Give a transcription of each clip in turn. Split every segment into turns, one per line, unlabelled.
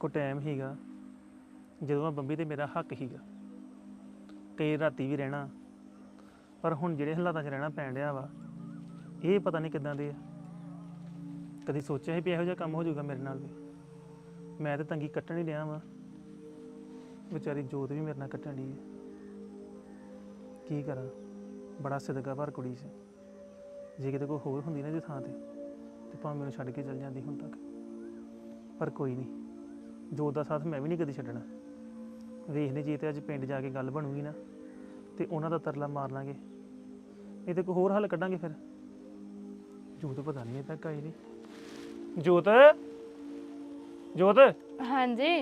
ਕੋ ਟਾਈਮ ਹੀਗਾ ਜਦੋਂ ਮੈਂ ਬੰਬੀ ਤੇ ਮੇਰਾ ਹੱਕ ਹੀਗਾ ਕਈ ਰਾਤੀ ਵੀ ਰਹਿਣਾ, ਪਰ ਹੁਣ ਜਿਹੜੇ ਹਾਲਾਤਾਂ 'ਚ ਰਹਿਣਾ ਪੈਣ ਡਿਆ ਵਾ ਇਹ ਪਤਾ ਨਹੀਂ ਕਿੱਦਾਂ ਦੇ ਆ। ਕਦੀ ਸੋਚਿਆ ਸੀ ਵੀ ਇਹੋ ਜਿਹਾ ਕੰਮ ਹੋ ਜਾਊਗਾ ਮੇਰੇ ਨਾਲ ਵੀ। ਮੈਂ ਤਾਂ ਤੰਗੀ ਕੱਟਣ ਹੀ ਰਿਹਾ ਵਾਂ, ਵਿਚਾਰੀ ਜੋਤ ਵੀ ਮੇਰੇ ਨਾਲ ਕੱਟਣ ਡਈ ਹੈ। ਕੀ ਕਰਾਂ, ਬੜਾ ਸਿਦਕਾ ਭਰ ਕੁੜੀ ਸੀ। ਜੇ ਕਿਤੇ ਕੋਈ ਹੋਰ ਹੁੰਦੀ ਨਾ ਜੇ ਥਾਂ ਤੇ ਭਾਵੇਂ ਮੈਨੂੰ ਛੱਡ ਕੇ ਚੱਲ ਜਾਂਦੀ ਹੁਣ ਤੱਕ, ਪਰ ਕੋਈ ਨਹੀਂ, ਜੋਤ ਦਾ ਸਾਥ ਮੈਂ ਵੀ ਨਹੀਂ ਕਦੇ ਛੱਡਣਾ। ਵੇਖਦੇ ਜੇ ਤੇ ਅੱਜ ਪਿੰਡ ਜਾ ਕੇ ਗੱਲ ਬਣੂਗੀ ਨਾ ਤੇ ਉਹਨਾਂ ਦਾ ਤਰਲਾ ਮਾਰ ਲਾਂਗੇ, ਨਹੀਂ ਤੇ ਕੋਈ ਹੋਰ ਹੱਲ ਕੱਢਾਂਗੇ। ਫਿਰ ਜੋਤ ਪਤਾ ਨਹੀਂ ਤੱਕ ਆਈ ਨਹੀਂ। ਜੋਤ ਜੋਤ
ਹਾਂਜੀ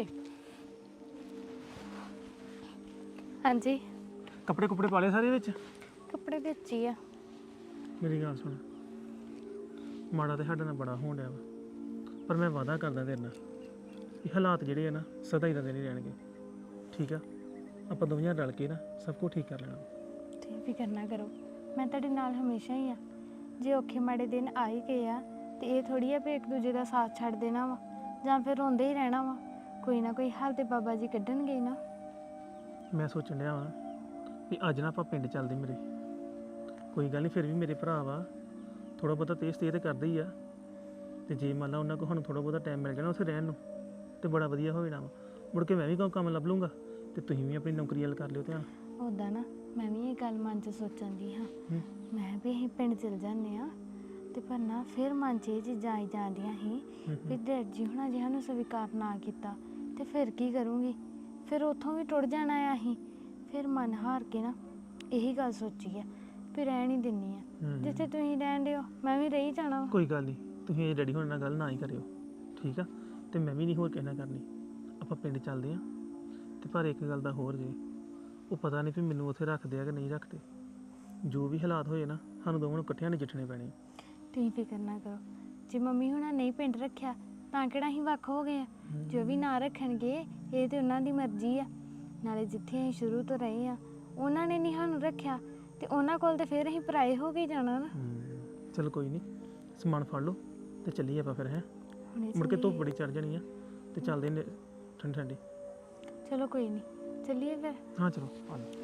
ਹਾਂਜੀ
ਕੱਪੜੇ ਕੁਪੜੇ ਪਾ ਲਏ ਸਾਰੇ ਵਿੱਚ?
ਕੱਪੜੇ ਵਿੱਚ ਹੀ ਆ।
ਮੇਰੀ ਗੱਲ ਸੁਣ, ਮਾੜਾ ਤੇ ਸਾਡੇ ਨਾਲ ਬੜਾ ਹੋਣ ਡਿਆ ਵਾ, ਪਰ ਮੈਂ ਵਾਅਦਾ ਕਰਦਾ ਤੇਰੇ ਨਾਲ ਇਹ ਹਾਲਾਤ ਜਿਹੜੇ ਆ ਨਾ ਸਦਾ ਹੀ ਰਹਿੰਦੇ ਨਹੀਂ ਰਹਿਣਗੇ। ਠੀਕ ਆ, ਆਪਾਂ ਦੋਵੇਂ ਰਲ ਕੇ ਨਾ ਸਭ ਕੁਝ ਠੀਕ ਕਰ ਲੈਣਾ।
ਤੁਸੀਂ ਫਿਕਰ ਨਾ ਕਰੋ, ਮੈਂ ਤੁਹਾਡੇ ਨਾਲ ਹਮੇਸ਼ਾ ਹੀ ਆ। ਜੇ ਔਖੇ ਮਾੜੇ ਦਿਨ ਆ ਹੀ ਗਏ ਆ ਤੇ ਇਹ ਥੋੜੀ ਆ ਵੀ ਇੱਕ ਦੂਜੇ ਦਾ ਸਾਥ ਛੱਡ ਦੇਣਾ ਵਾ ਜਾਂ ਫਿਰ ਰੋਂਦੇ ਹੀ ਰਹਿਣਾ ਵਾ। ਕੋਈ ਨਾ ਕੋਈ ਹੱਲ ਤੇ ਬਾਬਾ ਜੀ ਕੱਢਣਗੇ ਹੀ ਨਾ।
ਮੈਂ ਸੋਚਣ ਡਿਆ ਵਾਂ ਵੀ ਅੱਜ ਨਾ ਆਪਾਂ ਪਿੰਡ ਚੱਲਦੇ ਮੇਰੇ। ਕੋਈ ਗੱਲ ਨਹੀਂ, ਫਿਰ ਵੀ ਮੇਰੇ ਭਰਾ ਵਾ, ਥੋੜ੍ਹਾ ਬਹੁਤਾ ਤੇਜ਼ ਤੇ ਕਰਦੇ ਹੀ ਆ। ਤੇ ਜੇ ਮੰਨ ਲਾ ਉਹਨਾਂ ਕੋਲ ਹੁਣ ਥੋੜ੍ਹਾ ਬਹੁਤਾ ਟਾਈਮ ਮਿਲ ਜਾਣਾ ਉੱਥੇ ਰਹਿਣ ਨੂੰ ਤੇ ਬੜਾ ਵਧੀਆ ਹੋ ਜਾਣਾ ਵਾ। ਮੁੜ ਕੇ ਮੈਂ ਵੀ ਕੋਈ ਕੰਮ ਲੱਭ ਲੂੰਗਾ ਤੇ ਤੁਸੀਂ ਵੀ ਆਪਣੀ ਨੌਕਰੀ ਵੱਲ ਕਰ ਲਿਓ ਧਿਆਨ।
ਉੱਦਾਂ ਨਾ ਮੈਂ ਵੀ ਇਹ ਗੱਲ ਮਨ 'ਚ ਸੋਚਣ ਦੀ ਹਾਂ, ਮੈਂ ਵੀ ਅਸੀਂ ਪਿੰਡ ਚਲ ਜਾਂਦੇ ਹਾਂ ਤੇ ਪਰ ਨਾ ਫਿਰ ਮਨ 'ਚ ਇਹ ਚੀਜ਼ਾਂ ਆਈ ਜਾਂਦੀਆਂ ਸੀ ਵੀ ਡੈਡ ਜੀ ਹੁਣਾਂ ਜੇ ਸਾਨੂੰ ਸਵੀਕਾਰ ਨਾ ਕੀਤਾ ਤੇ ਫਿਰ ਕੀ ਕਰੂੰਗੀ, ਫਿਰ ਉੱਥੋਂ ਵੀ ਟੁੱਟ ਜਾਣਾ ਆ ਅਸੀਂ। ਫਿਰ ਮਨ ਹਾਰ ਕੇ ਨਾ ਇਹੀ ਗੱਲ ਸੋਚੀ ਆ ਵੀ ਰਹਿਣ ਹੀ ਦਿੰਨੀ ਆ। ਜਿੱਥੇ ਤੁਸੀਂ ਰਹਿਣ ਦਿਓ ਮੈਂ ਵੀ ਰਹੀ ਜਾਣਾ।
ਕੋਈ ਗੱਲ ਨਹੀਂ, ਤੁਸੀਂ ਇਹ ਡੈਡੀ ਹੁਣ ਨਾਲ ਗੱਲ ਨਾ ਹੀ ਕਰਿਓ, ਠੀਕ ਆ? ਤੇ ਮੈਂ ਵੀ ਨਹੀਂ ਹੋਰ ਕਹਿਣਾ ਕਰਨੀ। ਆਪਾਂ ਪਿੰਡ ਚੱਲਦੇ ਹਾਂ ਤੇ ਪਰ ਇੱਕ ਗੱਲ ਦਾ ਹੋਰ ਜੇ, ਉਹ ਪਤਾ ਨਹੀਂ ਵੀ ਮੈਨੂੰ ਉੱਥੇ ਰੱਖਦੇ ਆ ਕਿ ਨਹੀਂ ਰੱਖਦੇ। ਜੋ ਵੀ ਹਾਲਾਤ ਹੋਏ ਨਾ ਸਾਨੂੰ ਦੋਵਾਂ ਨੂੰ ਇਕੱਠਿਆਂ ਨਜਿੱਠਣੇ ਪੈਣੇ।
ਤੁਸੀਂ ਫਿਕਰ ਨਾ ਕਰੋ, ਜੇ ਮੰਮੀ ਹੁਣਾਂ ਨਹੀਂ ਪਿੰਡ ਰੱਖਿਆ ਤਾਂ ਕਿਹੜਾ ਅਸੀਂ ਵੱਖ ਹੋ ਗਏ ਆ। ਜੋ ਵੀ ਨਾ ਰੱਖਣਗੇ ਇਹ ਤੇ ਉਹਨਾਂ ਦੀ ਮਰਜ਼ੀ ਆ। ਨਾਲੇ ਜਿੱਥੇ ਅਸੀਂ ਸ਼ੁਰੂ ਤੋਂ ਰਹੇ ਆ ਉਹਨਾਂ ਨੇ ਨਹੀਂ ਸਾਨੂੰ ਰੱਖਿਆ ਤੇ ਉਹਨਾਂ ਕੋਲ ਤੇ ਫਿਰ ਅਸੀਂ ਪਰਾਏ ਹੋ ਕੇ ਜਾਣਾ ਨਾ।
ਚਲੋ ਕੋਈ ਨਹੀਂ, ਸਮਾਨ ਫੜ ਲਓ ਤੇ ਚੱਲੀਏ ਆਪਾਂ ਫਿਰ। ਹੈ ਮੁੜ ਕੇ ਧੁੱਪ ਬੜੀ ਚੜ ਜਾਣੀ ਆ ਤੇ ਚੱਲਦੇ ਨੇ ਠੰਡੀ ਠੰਡੀ।
ਚਲੋ ਕੋਈ ਨਹੀਂ, ਚੱਲੀਏ ਫਿਰ।
ਹਾਂ ਚਲੋ ਆ ਜਾਓ।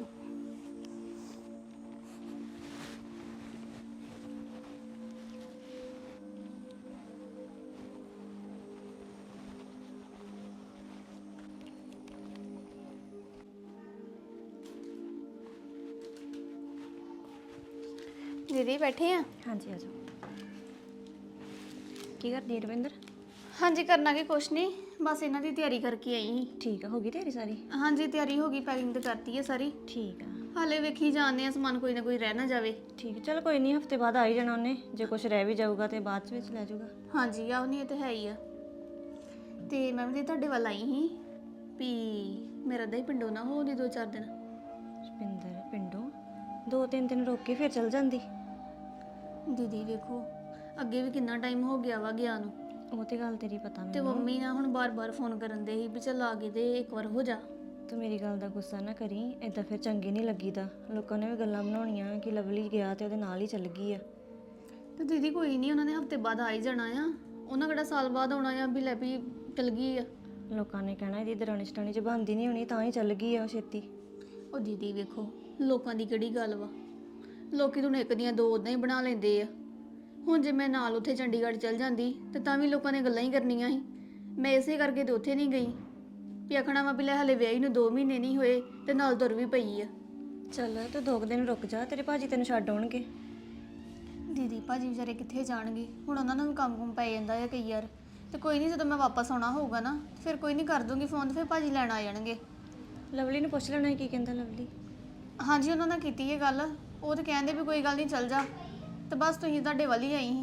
ਦੀਦੀ ਬੈਠੇ ਆ?
ਹਾਂਜੀ ਆ ਜਾਓ। ਕੀ ਕਰਦੀ ਰਵਿੰਦਰ?
ਹਾਂਜੀ ਕਰਨਾ ਕਿ ਕੁਛ ਨਹੀਂ, ਬਸ ਇਹਨਾਂ ਦੀ ਤਿਆਰੀ ਕਰਕੇ ਆਈ ਸੀ।
ਠੀਕ ਆ, ਹੋ ਗਈ ਤੇਰੀ ਸਾਰੀ?
ਹਾਂਜੀ ਤਿਆਰੀ ਹੋ ਗਈ, ਪੈਕਿੰਗ ਤੇ ਕਰਤੀ ਹੈ ਸਾਰੀ।
ਠੀਕ ਆ,
ਹਾਲੇ ਵੇਖੀ ਜਾਂਦੇ ਆ ਸਮਾਨ ਕੋਈ ਨਾ ਕੋਈ ਰਹਿ ਨਾ ਜਾਵੇ।
ਠੀਕ, ਚਲ ਕੋਈ ਨਹੀਂ, ਹਫਤੇ ਬਾਅਦ ਆ ਹੀ ਜਾਣਾ ਉਹਨੇ। ਜੇ ਕੁਝ ਰਹਿ ਵੀ ਜਾਊਗਾ ਤੇ ਬਾਅਦ ਵਿੱਚ ਲੈ ਜਾਊਗਾ।
ਹਾਂਜੀ ਆਹ ਨਹੀਂ, ਇਹ ਤਾਂ ਹੈ ਹੀ ਆ। ਤੇ ਮੈਂ ਵੀ ਤੁਹਾਡੇ ਵੱਲ ਆਈ ਸੀ ਵੀ ਮੇਰਾ ਤਾਂ ਹੀ ਪਿੰਡੋਂ ਨਾ ਹੋ ਦੀ 2-4 ਦਿਨ।
ਰੁਪਿੰਦਰ ਪਿੰਡੋਂ 2-3 ਦਿਨ ਰੁਕ ਕੇ ਫਿਰ ਚਲ ਜਾਂਦੀ।
ਦੀਦੀ ਵੇਖੋ ਅੱਗੇ ਵੀ ਕਿੰਨਾ ਟਾਈਮ ਹੋ ਗਿਆ ਵਾ ਗਿਆ ਨੂੰ।
ਉਹ ਤੇ ਗੱਲ ਤੇਰੀ ਪਤਾ
ਤੇ
ਮੈਨੂੰ।
ਮੰਮੀ ਨਾ ਹੁਣ ਬਾਰ-ਬਾਰ ਫੋਨ ਕਰਨ ਦੇ ਸੀ ਵੀ ਚੱਲ ਆ ਗਏ ਤੇ ਇੱਕ ਵਾਰ ਹੋ ਜਾ।
ਤੂੰ ਮੇਰੀ ਗੱਲ ਦਾ ਗੁੱਸਾ ਨਾ ਕਰੀ, ਏਦਾਂ ਫਿਰ ਚੰਗੇ ਨਹੀਂ ਲੱਗੀਦਾ। ਲੋਕਾਂ ਨੇ ਵੀ ਗੱਲਾਂ ਬਣਾਉਣੀਆਂ ਕਿ ਲਵਲੀ ਗਿਆ ਤੇ ਉਹਦੇ ਨਾਲ ਹੀ ਚੱਲ ਗਈ ਆ।
ਤੇ ਦੀਦੀ ਕੋਈ ਨਹੀਂ, ਉਹਨਾਂ ਨੇ ਹਫਤੇ ਬਾਅਦ ਆ ਹੀ ਜਾਣਾ ਆ। ਉਹਨਾਂ ਕਿਹੜਾ ਸਾਲ ਬਾਅਦ ਆਉਣਾ ਆ ਵੀ ਲੈ ਵੀ ਚਲ ਗਈ ਆ।
ਲੋਕਾਂ ਨੇ ਕਹਿਣਾ ਇਹਦੀ ਦਰਾਣੀ ਚਟਾਣੀ ਚ ਬਣਦੀ ਨਹੀਂ ਹੋਣੀ ਤਾਂ ਹੀ ਚੱਲ ਗਈ ਆ ਉਹ ਛੇਤੀ।
ਉਹ ਦੀਦੀ ਵੇਖੋ ਲੋਕਾਂ ਦੀ ਕਿਹੜੀ ਗੱਲ ਵਾ, ਲੋਕੀ ਤੁਹਾਨੂੰ ਇੱਕ ਦੀਆਂ ਦੋ ਉਦਾਂ ਹੀ ਬਣਾ ਲੈਂਦੇ ਆ। ਹੁਣ ਜੇ ਮੈਂ ਨਾਲ ਉੱਥੇ ਚੰਡੀਗੜ੍ਹ ਚਲ ਜਾਂਦੀ ਤੇ ਤਾਂ ਵੀ ਲੋਕਾਂ ਨੇ ਗੱਲਾਂ ਹੀ ਕਰਨੀਆਂ ਸੀ। ਮੈਂ ਇਸੇ ਕਰਕੇ ਤੇ ਉੱਥੇ ਨਹੀਂ ਗਈ ਵੀ ਆਖਣਾ ਵਾ ਵੀ ਲੈ ਹਲੇ ਵਿਆਹੀ ਨੂੰ 2 ਮਹੀਨੇ ਨਹੀਂ ਹੋਏ ਤੇ ਨਾਲ ਤੁਰ ਵੀ ਪਈ ਆ।
ਚੱਲ ਤੂੰ 2 ਦਿਨ ਰੁਕ ਜਾ, ਤੇਰੇ ਭਾਜੀ ਤੈਨੂੰ ਛੱਡ ਆਉਣਗੇ।
ਦੀਦੀ ਭਾਜੀ ਵਿਚਾਰੇ ਕਿੱਥੇ ਜਾਣਗੇ, ਹੁਣ ਉਹਨਾਂ ਨੂੰ ਵੀ ਕੰਮ ਪੈ ਜਾਂਦਾ ਹੈ ਕਈ ਵਾਰ। ਤੇ ਕੋਈ ਨਹੀਂ, ਜਦੋਂ ਮੈਂ ਵਾਪਸ ਆਉਣਾ ਹੋਊਗਾ ਨਾ ਫਿਰ ਕੋਈ ਨਹੀਂ ਕਰ ਦੂੰਗੀ ਫੋਨ ਤੇ ਫਿਰ ਭਾਜੀ ਲੈਣ ਆ ਜਾਣਗੇ।
ਲਵਲੀ ਨੂੰ ਪੁੱਛ ਲੈਣਾ ਕੀ ਕਹਿੰਦਾ ਲਵਲੀ।
ਹਾਂਜੀ ਉਹਨਾਂ ਨਾਲ ਕੀਤੀ ਇਹ ਗੱਲ, ਉਹ ਤਾਂ ਕਹਿੰਦੇ ਵੀ ਕੋਈ ਗੱਲ ਨਹੀਂ ਚੱਲ ਜਾ, ਤੇ ਬਸ ਤੁਸੀਂ ਤੁਹਾਡੇ ਵੱਲ ਹੀ ਆਈ ਸੀ।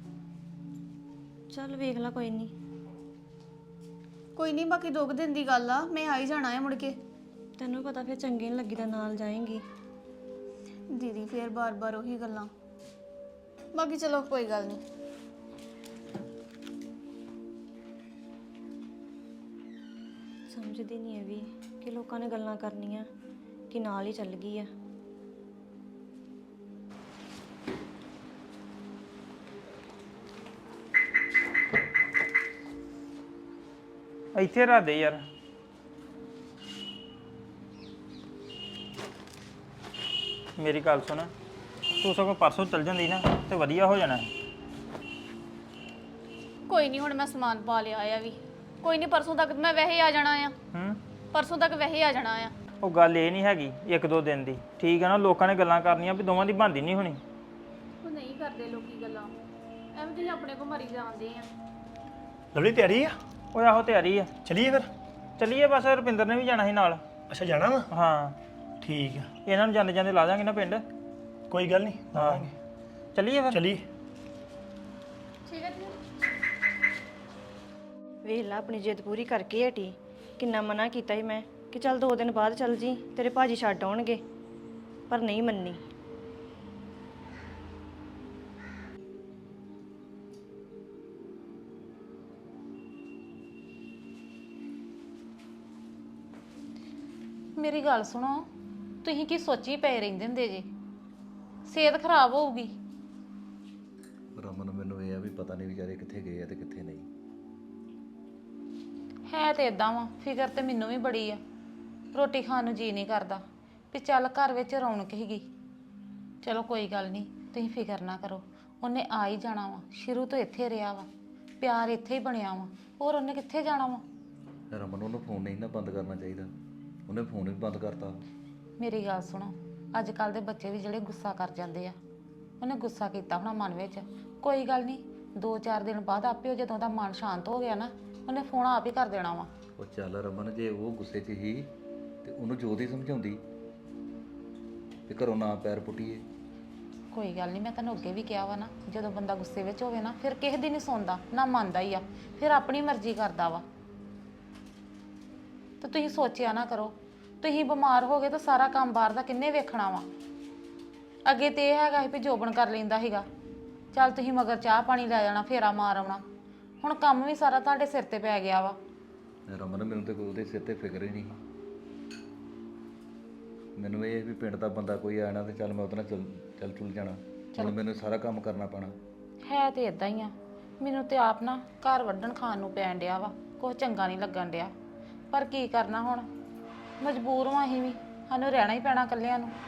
ਚੱਲ ਵੇਖ ਲੈ, ਕੋਈ ਨਹੀਂ।
ਕੋਈ ਨਹੀਂ, ਬਾਕੀ 2 ਦਿਨ ਦੀ ਗੱਲ ਆ, ਮੈਂ ਆ ਹੀ ਜਾਣਾ ਹੈ ਮੁੜ ਕੇ।
ਤੈਨੂੰ ਪਤਾ ਫਿਰ ਚੰਗੇ ਨਹੀਂ ਲੱਗੀਦਾ ਨਾਲ ਜਾਏਂਗੀ।
ਦੀਦੀ ਫੇਰ ਬਾਰ-ਬਾਰ ਉਹੀ ਗੱਲਾਂ। ਬਾਕੀ ਚਲੋ ਕੋਈ ਗੱਲ ਨਹੀਂ।
ਸਮਝਦੀ ਨਹੀਂ ਇਹ ਵੀ ਕਿ ਲੋਕਾਂ ਨੇ ਗੱਲਾਂ ਕਰਨੀਆਂ ਕਿ ਨਾਲ ਹੀ ਚੱਲ ਗਈ ਆ।
ਇੱਥੇ ਰੱਖ ਦੇ ਯਾਰ। ਮੇਰੀ ਗੱਲ ਸੁਣ, ਤੂੰ ਸਗੋਂ ਪਰਸੋਂ ਚੱਲ ਜਾਂਦੀ ਨਾ ਤੇ ਵਧੀਆ ਹੋ ਜਾਣਾ।
ਕੋਈ ਨਹੀਂ, ਹੁਣ ਮੈਂ ਸਮਾਨ ਪਾ ਲਿਆ ਆ ਵੀ। ਕੋਈ ਨਹੀਂ, ਪਰਸੋਂ ਤੱਕ ਮੈਂ ਵੈਸੇ ਆ ਜਾਣਾ ਆ। ਪਰਸੋਂ ਤੱਕ ਵੈਸੇ ਆ ਜਾਣਾ ਆ।
ਉਹ ਗੱਲ ਇਹ ਨਹੀਂ ਹੈਗੀ 1-2 ਦਿਨ ਦੀ, ਠੀਕ ਹੈ ਨਾ। ਲੋਕਾਂ ਨੇ ਗੱਲਾਂ ਕਰਨੀਆਂ ਵੀ ਦੋਵਾਂ ਦੀ ਬਣਦੀ ਨਹੀਂ ਹੋਣੀ।
ਉਹ ਨਹੀਂ ਕਰਦੇ ਲੋਕੀ ਗੱਲਾਂ, ਐਵੇਂ ਤੁਸੀਂ ਆਪਣੇ ਕੋ ਮਰੀ ਜਾਂਦੇ ਆ।
ਲਵਲੀ ਤਿਆਰੀ ਆ?
ਉਹ ਆਹੋ ਤਿਆਰੀ ਆ,
ਚਲੀਏ ਫਿਰ।
ਚੱਲੀਏ। ਬਸ ਰੁਪਿੰਦਰ ਨੇ ਵੀ ਜਾਣਾ ਸੀ ਨਾਲ।
ਅੱਛਾ ਜਾਣਾ ਵਾ?
ਹਾਂ
ਠੀਕ ਆ,
ਇਹਨਾਂ ਨੂੰ ਜਾਂਦੇ ਜਾਂਦੇ ਲਾ ਦਾਂਗੇ ਨਾ ਪਿੰਡ।
ਕੋਈ ਗੱਲ ਨਹੀਂ, ਆਵਾਂਗੇ।
ਚੱਲੀਏ ਫਿਰ।
ਚਲੀਏ।
ਠੀਕ ਹੈ ਜੀ।
ਵੇਖ ਲਾ ਆਪਣੀ ਜਿੱਦ ਪੂਰੀ ਕਰਕੇ ਹਟੀ। ਕਿੰਨਾ ਮਨਾ ਕੀਤਾ ਸੀ ਮੈਂ ਕਿ ਚੱਲ 2 ਦਿਨ ਬਾਅਦ ਚੱਲ ਜੀ, ਤੇਰੇ ਭਾਜੀ ਛੱਡ ਆਉਣਗੇ, ਪਰ ਨਹੀਂ ਮੰਨੀ।
ਮੇਰੀ ਗੱਲ ਸੁਣੋ, ਤੁਸੀਂ ਕੀ ਸੋਚੀ ਪਏ ਰਹਿੰਦੇ ਹੁੰਦੇ ਜੇ? ਸਿਹਤ ਖਰਾਬ ਹੋਊਗੀ।
ਰਮਨ ਮੈਨੂੰ ਇਹ ਆ ਵੀ ਪਤਾ ਨਹੀਂ ਵਿਚਾਰੇ ਕਿੱਥੇ ਗਏ ਆ ਤੇ ਕਿੱਥੇ ਨਹੀਂ।
ਹੈ ਤੇ ਇਦਾਂ ਵਾ, ਫਿਕਰ ਤੇ ਮੈਨੂੰ ਵੀ ਬੜੀ ਆ। ਰੋਟੀ ਖਾਣ ਨੂੰ ਜੀ ਨਹੀਂ ਕਰਦਾ ਵੀ ਚੱਲ ਘਰ ਵਿੱਚ ਰੌਣਕ ਹੀਗੀ। ਚਲੋ ਕੋਈ ਗੱਲ ਨਹੀਂ, ਤੁਸੀਂ ਫਿਕਰ ਨਾ ਕਰੋ। ਉਹਨੇ ਆ ਹੀ ਜਾਣਾ ਵਾ, ਸ਼ੁਰੂ ਤੋਂ ਇੱਥੇ ਰਿਹਾ ਵਾ, ਪਿਆਰ ਇੱਥੇ ਹੀ ਬਣਿਆ ਵਾ। ਹੋਰ ਉਹਨੇ ਕਿੱਥੇ ਜਾਣਾ ਵਾ?
ਰਮਨ ਉਹਨੂੰ ਫੋਨ ਨਹੀਂ ਨਾ ਬੰਦ ਕਰਨਾ ਚਾਹੀਦਾ, ਉਹਨੇ ਫੋਨ ਵੀ ਬੰਦ ਕਰਤਾ।
ਮੇਰੀ ਗੱਲ ਸੁਣੋ, ਅੱਜ ਕੱਲ ਦੇ ਬੱਚੇ ਵੀ ਜਿਹੜੇ ਗੁੱਸਾ ਕਰ ਜਾਂਦੇ ਆ, ਉਹਨੇ ਗੁੱਸਾ ਕੀਤਾ ਹੋਣਾ ਮਨ ਵਿੱਚ। ਕੋਈ ਗੱਲ ਨਹੀਂ, 2-4 ਦਿਨ ਬਾਅਦ ਆਪੇ ਜਦੋਂ ਉਹਦਾ ਮਨ ਸ਼ਾਂਤ ਹੋ ਗਿਆ ਨਾ, ਉਹਨੇ ਫੋਨ ਆਪ ਹੀ ਕਰ ਦੇਣਾ ਵਾ।
ਉਹ ਚੱਲ ਰਮਨ, ਜੇ ਉਹ ਗੁੱਸੇ 'ਚ ਹੀ ਤੇ ਉਹਨੂੰ ਜੋਤ ਹੀ ਸਮਝਾਉਂਦੀ ਵੀ ਘਰੋਂ ਨਾ ਪੈਰ ਪੁੱਟੀਏ।
ਕੋਈ ਗੱਲ ਨਹੀਂ, ਮੈਂ ਤੈਨੂੰ ਅੱਗੇ ਵੀ ਕਿਹਾ ਵਾ ਨਾ, ਜਦੋਂ ਬੰਦਾ ਗੁੱਸੇ ਵਿੱਚ ਹੋਵੇ ਨਾ, ਫਿਰ ਕਿਸੇ ਦੀ ਨਹੀਂ ਸੁਣਦਾ, ਨਾ ਮੰਨਦਾ ਹੀ ਆ, ਫਿਰ ਆਪਣੀ ਮਰਜ਼ੀ ਕਰਦਾ ਵਾ। ਤੇ ਤੁਸੀਂ ਸੋਚਿਆ ਨਾ ਕਰੋ, ਤੁਸੀਂ ਬਿਮਾਰ ਹੋ ਗਏ ਤਾਂ ਸਾਰਾ ਕੰਮ ਬਾਹਰ ਦਾ ਕਿੰਨੇ ਵੇਖਣਾ ਵਾ? ਅੱਗੇ ਤੇ ਇਹ ਹੈਗਾ ਸੀ ਵੀ ਜੋਬਨ ਕਰ ਲੈਂਦਾ ਸੀਗਾ, ਚੱਲ ਤੁਸੀਂ ਮਗਰ ਚਾਹ ਪਾਣੀ ਲੈ ਜਾਣਾ, ਫੇਰਾ ਮਾਰ ਆਉਣਾ। ਹੁਣ ਕੰਮ ਵੀ ਸਾਰਾ ਤੁਹਾਡੇ ਸਿਰ ਤੇ ਪੈ ਗਿਆ ਵਾ।
ਰਮਨ ਮੈਨੂੰ ਤੇ ਉਹਦੇ ਸਿਰ ਤੇ ਫਿਕਰ ਹੀ ਨਹੀਂ। ਮੈਨੂੰ ਇਹ ਵੀ ਪਿੰਡ ਦਾ ਬੰਦਾ ਕੋਈ ਆਣਾ ਤੇ ਚੱਲ ਮੈਂ ਉਹਦੇ ਨਾਲ ਚੱਲ ਚੁਲ ਜਾਣਾ। ਹੁਣ ਮੈਨੂੰ ਸਾਰਾ ਕੰਮ ਕਰਨਾ ਪੈਣਾ।
ਹੈ ਤੇ ਇਦਾਂ ਹੀ ਆ, ਮੈਨੂੰ ਤੇ ਆਪ ਨਾ ਘਰ ਵੱਢਣ ਖਾਣ ਨੂੰ ਪੈਣ ਡਿਆ ਵਾ, ਕੁਛ ਚੰਗਾ ਨਹੀਂ ਲੱਗਣ ਡਿਆ। ਪਰ ਕੀ ਕਰਨਾ ਹੁਣ, ਮਜਬੂਰ ਵਾਂ ਅਸੀਂ ਵੀ, ਸਾਨੂੰ ਰਹਿਣਾ ਹੀ ਪੈਣਾ ਇਕੱਲਿਆਂ ਨੂੰ।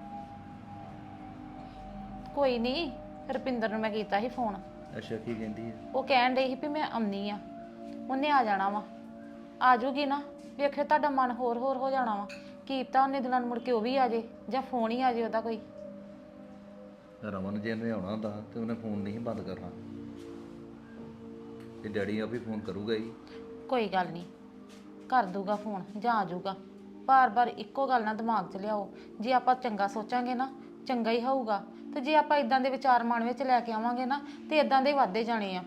ਕੋਈ ਨਹੀਂ, ਰੁਪਿੰਦਰ ਨੂੰ ਮੈਂ ਕੀਤਾ ਸੀ ਫੋਨ।
ਅੱਛਾ, ਕੀ ਕਹਿੰਦੀ ਹੈ?
ਉਹ ਕਹਿਣ ਡਈ ਸੀ ਵੀ ਮੈਂ ਆਉਣੀ ਆ, ਉਹਨੇ ਆ ਜਾਣਾ ਵਾ। ਆ ਜੂਗੀ ਨਾ, ਵੇਖਿਓ ਤੁਹਾਡਾ ਮਨ ਹੋਰ ਹੋਰ ਹੋ ਜਾਣਾ ਵਾ। ਕੀ ਪਤਾ ਉਹਨੇ ਦਿਨਾਂ ਨੂੰ ਮੁੜ ਕੇ ਉਹ ਵੀ ਆ ਜੇ, ਜਾਂ ਫੋਨ ਹੀ ਆ ਜੇ ਉਹਦਾ ਕੋਈ।
ਰਮਨ ਜੇ ਉਹਨੇ ਆਉਣਾ ਹੁੰਦਾ ਤੇ ਉਹਨੇ ਫੋਨ ਨਹੀਂ ਬੰਦ ਕਰਨਾ, ਤੇ ਡੈਡੀ ਆਪ ਹੀ ਫੋਨ ਕਰੂਗਾ ਹੀ।
ਕੋਈ ਗੱਲ ਨਹੀਂ, ਕਰ ਦੂਗਾ ਫੋਨ ਜਾਂ ਆ ਜਾਊਗਾ। ਬਾਰ-ਬਾਰ ਇੱਕੋ ਗੱਲ ਨਾ ਦਿਮਾਗ 'ਚ ਲਿਆਓ। ਜੇ ਆਪਾਂ ਚੰਗਾ ਸੋਚਾਂਗੇ ਨਾ, ਚੰਗਾ ਹੀ ਹੋਊਗਾ। ਤੇ ਜੇ ਆਪਾਂ ਇਦਾਂ ਦੇ ਵਿਚਾਰ ਮਨ ਵਿੱਚ ਲੈ ਕੇ ਆਵਾਂਗੇ ਨਾ, ਤੇ ਇਦਾਂ ਦੇ ਵਾਧੇ ਜਾਣੇ ਆ।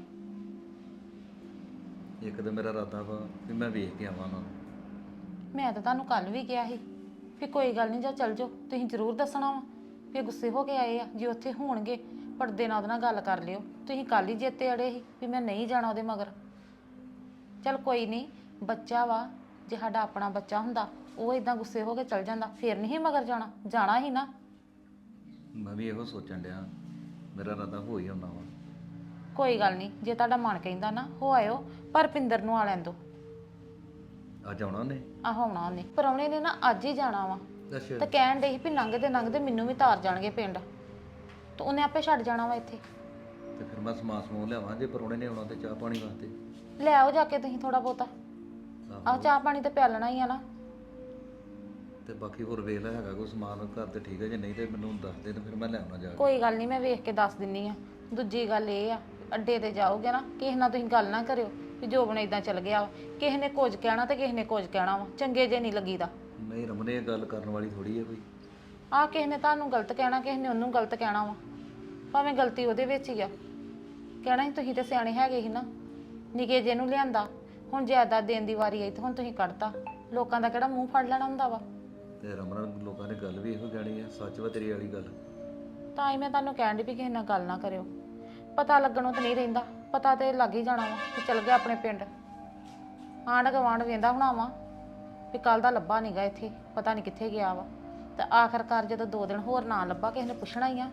ਇੱਕ ਤਾਂ ਮੇਰਾ ਇਰਾਦਾ ਵਾ ਵੀ ਮੈਂ ਵੇਖ ਕੇ ਆਵਾਂ ਉਹਨਾਂ ਨੂੰ।
ਮੈਂ ਤਾਂ ਤੁਹਾਨੂੰ ਕੱਲ ਵੀ ਕਿਹਾ ਸੀ ਵੀ ਕੋਈ ਗੱਲ ਨਹੀਂ, ਜਾਂ ਚੱਲ ਜਾਓ, ਤੁਸੀਂ ਜ਼ਰੂਰ ਦੱਸਣਾ ਵਾ ਵੀ ਗੁੱਸੇ ਹੋ ਕੇ ਆਏ ਆ। ਜੇ ਉੱਥੇ ਹੋਣਗੇ, ਪਰਦੇ ਨਾਲ ਉਹਦੇ ਨਾਲ ਗੱਲ ਕਰ ਲਿਓ। ਤੁਸੀਂ ਕੱਲ ਹੀ ਜਿੱਤੇ ਅੜੇ ਸੀ ਵੀ ਮੈਂ ਨਹੀਂ ਜਾਣਾ ਉਹਦੇ ਮਗਰ। ਚੱਲ ਕੋਈ ਨਹੀਂ, ਬੱਚਾ ਵਾ, ਜੇ ਸਾਡਾ ਆਪਣਾ ਬੱਚਾ ਹੁੰਦਾ, ਉਹ ਇਦਾਂ ਗੁੱਸੇ ਹੋ ਕੇ ਚੱਲ ਜਾਂਦਾ, ਫੇਰ ਨਹੀਂ ਮਗਰ ਜਾਣਾ ਹੀ ਨਾ।
ਮੈਂ ਵੀ ਇਹੋ ਸੋਚਣ ਡਿਆ, ਮੇਰਾ ਇਰਾਦਾ ਹੋ ਹੀ ਆਉਣਾ ਵਾ।
ਕੋਈ ਗੱਲ ਨਹੀਂ, ਜੇ ਤੁਹਾਡਾ ਮਨ ਕਹਿੰਦਾ ਨਾ, ਹੋ ਆਇਓ, ਪਰ ਪਿੰਦਰ ਨੂੰ ਆ ਲੈਣ ਦਿਓ।
ਅੱਜ ਆਉਣਾ ਉਹਨੇ?
ਆਹੋ ਆਉਣਾ ਉਹਨੇ, ਪ੍ਰਾਹੁਣੇ ਨੇ ਨਾ ਅੱਜ ਹੀ ਜਾਣਾ ਵਾ।
ਅੱਛਾ,
ਤੇ ਕਹਿਣ ਦੇ ਸੀ ਵੀ ਲੰਘਦੇ ਮੈਨੂੰ ਵੀ ਤਾਰ ਜਾਣਗੇ ਪਿੰਡ, ਤੇ ਉਹਨੇ ਆਪੇ ਛੱਡ ਜਾਣਾ ਵਾ ਇੱਥੇ।
ਤੇ ਫਿਰ ਮੈਂ ਸਮੂਹ ਲਿਆਵਾਂ ਜੇ ਪਰੋਣੇ ਨੇ ਆਉਣਾ ਤੇ ਚਾਹ ਪਾਣੀ ਵਾਸਤੇ।
ਲੈ ਆਓ ਜਾ ਕੇ ਤੁਸੀਂ ਥੋੜਾ ਬਹੁਤਾ। ਆਹ ਚਾਹ ਪਾਣੀ ਤੇ ਪਿਆਲਣਾ ਹੀ ਆ ਨਾ।
ਤੇ ਬਾਕੀ ਹੋਰ ਵੇਖ ਲੈ, ਹੈਗਾ ਕੋਈ ਸਮਾਨ ਘਰ ਤੇ ਠੀਕ ਹੈ, ਜੇ ਨਹੀਂ ਤੇ ਮੈਨੂੰ ਦੱਸ ਦੇ ਤੇ ਫਿਰ ਮੈਂ ਲੈ ਆਉਣਾ ਜਾ ਕੇ।
ਕੋਈ ਗੱਲ ਨਹੀਂ, ਮੈਂ ਵੇਖ ਕੇ ਦੱਸ ਦਿੰਨੀ ਆ। ਦੂਜੀ ਗੱਲ ਇਹ ਆ, ਅੱਡੇ ਤੇ ਜਾਓਗੇ ਨਾ, ਕਿਸੇ ਨਾਲ ਤੁਸੀਂ ਗੱਲ ਨਾ ਕਰਿਓ ਵੀ ਜੋਬਨ ਇਦਾਂ ਚੱਲ ਗਿਆ ਵਾ। ਕਿਸੇ ਨੇ ਕੁਝ ਕਹਿਣਾ ਤੇ ਕਿਸੇ ਨੇ ਕੁਝ ਕਹਿਣਾ ਵਾ, ਚੰਗੇ ਜੇ ਨਹੀਂ ਲੱਗੀਦਾ।
ਨਹੀਂ ਰਮਨ, ਇਹ ਗੱਲ ਕਰਨ ਵਾਲੀ ਥੋੜੀ ਹੈ ਕੋਈ।
ਆਹ ਕਿਸੇ ਨੇ ਤੁਹਾਨੂੰ ਗਲਤ ਕਹਿਣਾ, ਕਿਸੇ ਨੇ ਉਹਨੂੰ ਗਲਤ ਕਹਿਣਾ ਵਾ, ਭਾਵੇਂ ਗਲਤੀ ਉਹਦੇ ਵਿੱਚ ਹੀ ਆ। ਕਹਿਣਾ ਸੀ ਤੁਸੀਂ ਤੇ ਸਿਆਣੇ ਹੈਗੇ ਸੀ ਨਾ, ਨਿੱਕੇ ਜੇ ਨੂੰ ਲਿਆਂਦਾ, ਹੁਣ ਜ਼ਿਆਦਾ ਦੇਣ ਦੀ ਵਾਰੀ ਆਈ ਤੇ ਹੁਣ ਤੁਸੀਂ ਕੱਢਤਾ। ਲੋਕਾਂ ਦਾ ਕਿਹੜਾ ਮੂੰਹ ਫੜ ਲੈਣਾ ਹੁੰਦਾ ਵਾ।
ਤੇ ਰਮਨ, ਲੋਕਾਂ ਨੇ ਗੱਲ ਵੀ ਇਹੋ ਕਹਿਣੀ ਹੈ, ਸੱਚ ਵਾ ਤੇਰੀ ਵਾਲੀ ਗੱਲ।
ਤਾਂ ਹੀ ਮੈਂ ਤੁਹਾਨੂੰ ਕਹਿਣ ਦੀ ਵੀ ਕਿਸੇ ਨਾਲ ਗੱਲ ਨਾ ਕਰਿਓ। ਪਤਾ ਲੱਗਣੋਂ ਤਾਂ ਨਹੀਂ ਰਹਿੰਦਾ, ਪਤਾ ਤੇ ਲੱਗ ਹੀ ਜਾਣਾ ਵਾ ਕਿ ਚਲ ਗਿਆ ਆਪਣੇ ਪਿੰਡ। ਆਂਢ ਗੁਆਂਢ ਵੇਂਦਾ ਹੋਣਾ ਵਾ ਵੀ ਕੱਲ ਦਾ ਲੱਭਾ ਨਹੀਂਗਾ ਇੱਥੇ, ਪਤਾ ਨਹੀਂ ਕਿੱਥੇ ਗਿਆ ਵਾ। ਤੇ ਆਖਰਕਾਰ ਜਦੋਂ 2 ਦਿਨ ਹੋਰ ਨਾ ਲੱਭਾ, ਕਿਸੇ ਨੇ ਪੁੱਛਣਾ ਹੀ ਆ।